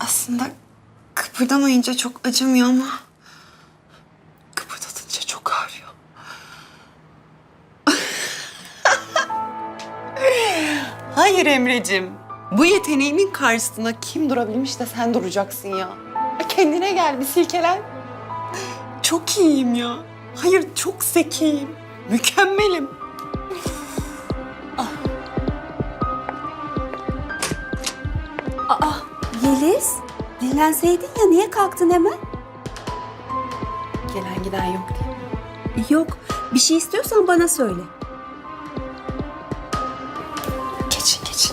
Aslında kıpırdamayınca çok acımıyor ama kıpırdatınca çok ağrıyor. Hayır Emre'cim. Bu yeteneğimin karşısına kim durabilmiş de sen duracaksın ya. Kendine gel, bir silkelen. Çok iyiyim ya. Hayır, çok zekiyim. Mükemmelim. Yeliz, dinlenseydin ya niye kalktın hemen? Gelen giden yok diye. Yok, bir şey istiyorsan bana söyle. Geçin, geçin.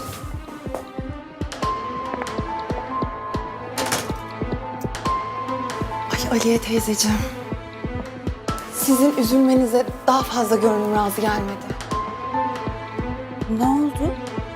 Ay Aliye teyzeciğim. Sizin üzülmenize daha fazla gönlüm razı gelmedi. Ne oldu?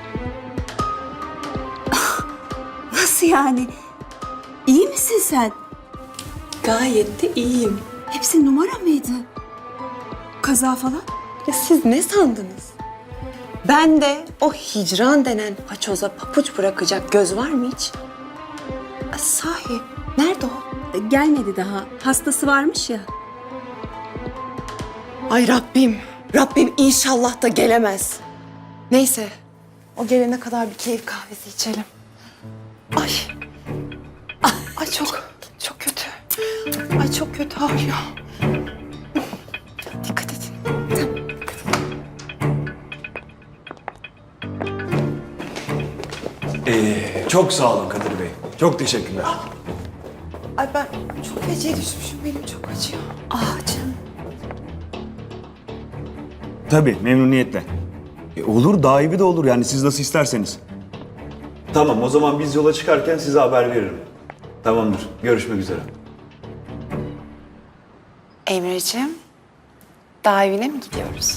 Nasıl yani? İyi misin sen? Gayet de iyiyim. Hepsi numara mıydı? Kaza falan? Ya siz ne sandınız? Ben de o hicran denen paçoza papuç bırakacak göz var mı hiç? Sahi, nerede o? Gelmedi daha. Hastası varmış ya. Ay Rabbim, Rabbim inşallah da gelemez. Neyse, o gelene kadar bir keyif kahvesi içelim. Ay, ay çok kötü. Ay çok kötü ağrıyor. Dikkat edin. Çok sağ olun Kadir Bey. Çok teşekkürler. Ay ben çok feciye düşmüşüm, benim çok acıyor. Ah canım. Tabii, memnuniyetle. Olur, daha iyi de olur. Yani siz nasıl isterseniz. Tamam, o zaman biz yola çıkarken size haber veririm. Tamamdır, görüşmek üzere. Emre'ciğim, dağ evine mi gidiyoruz?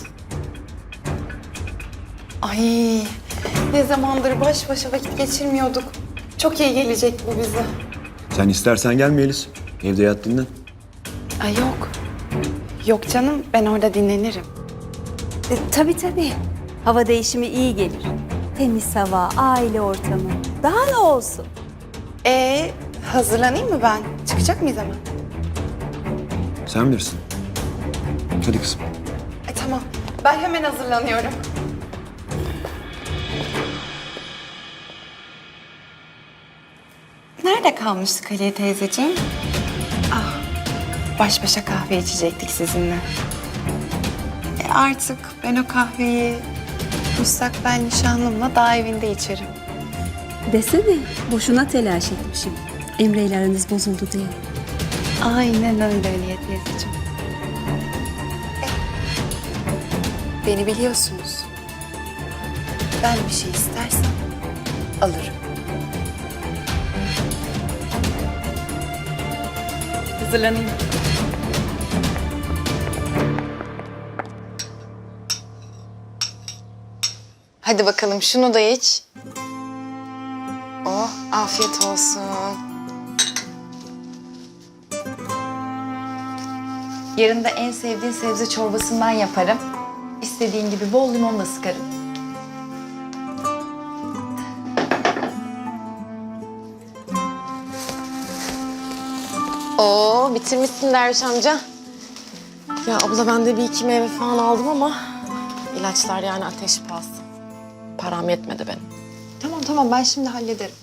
Ay, ne zamandır baş başa vakit geçirmiyorduk. Çok iyi gelecek bu bize. Sen istersen gelme Yeliz. Evde yat dinlen. Ay yok. Yok canım, ben orada dinlenirim. Tabii. Hava değişimi iyi gelir. Temiz hava, aile ortamı. Daha ne olsun? Hazırlanayım mı ben? Çıkacak mıyız hemen? Sen bilirsin. Hadi kızım. Tamam, ben hemen hazırlanıyorum. Nerede kalmıştık Aliye teyzeciğim? Baş başa kahve içecektik sizinle. Artık ben o kahveyi müstakbel nişanlımla dağ evinde içerim. Desene, boşuna telaş etmişim. Emre ile aranız bozuldu diye. Aynen öyle Aliye teyzeciğim. Beni biliyorsunuz. Ben bir şey istersem alırım. Hazırlanayım. Hadi bakalım şunu da iç. Oh, afiyet olsun. Yarın da en sevdiğin sebze çorbasından yaparım. İstediğin gibi bol limon da sıkarım. Oo, bitirmişsin Derviş amca. Ya abla ben de bir iki meyve falan aldım ama ilaçlar yani ateş pahası. Param yetmedi benim. Tamam ben şimdi hallederim.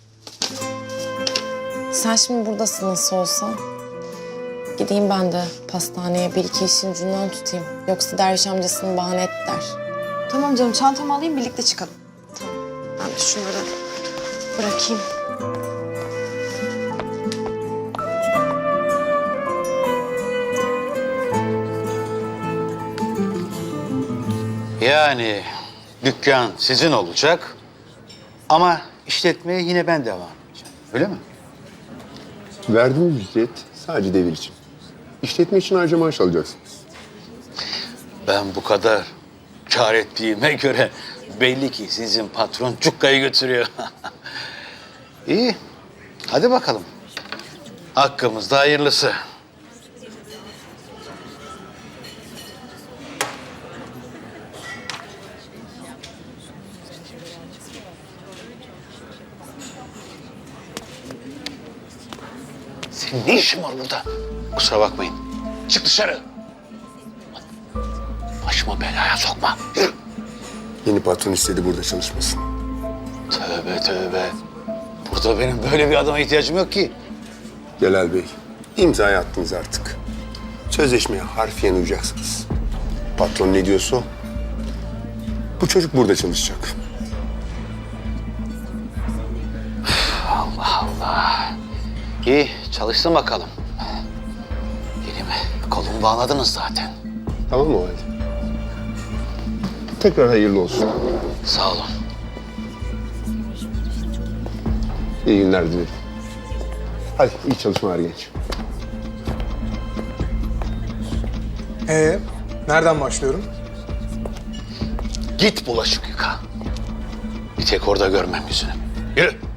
Sen şimdi buradasın nasıl olsa. Gideyim ben de pastaneye bir iki işin ucundan tutayım. Yoksa Derviş amcasını bahane et der. Tamam canım, çantamı alayım, birlikte çıkalım. Ben de şunları bırakayım. Yani dükkan sizin olacak ama işletmeye yine ben devam edeceğim. Öyle mi? Verdiğiniz ücret sadece devir için. İşletme için ayrıca maaş alacaksınız. Ben bu kadar kâr ettiğime göre belli ki sizin patron cukkayı götürüyor. İyi, hadi bakalım. Hakkımızda hayırlısı. Senin ne işin var burada? Kusura bakmayın. Çık dışarı. Başıma belaya sokma. Yürü. Yeni patron istedi burada çalışmasın. Tövbe tövbe. Burada benim böyle bir adama ihtiyacım yok ki. Celal Bey, imzayı attınız artık. Sözleşmeye harfiyen uyacaksınız. Patron ne diyorsa o. Bu çocuk burada çalışacak. Allah Allah. İyi, çalışsın bakalım. Elimi, kolumu bağladınız zaten. Tamam mı o halde? Tekrar hayırlı olsun. Sağ olun. İyi günler dilerim. Hadi iyi çalışmalar genç. Nereden başlıyorum? Git bulaşık yıka. Bir tek orada görmem yüzünü. Yürü.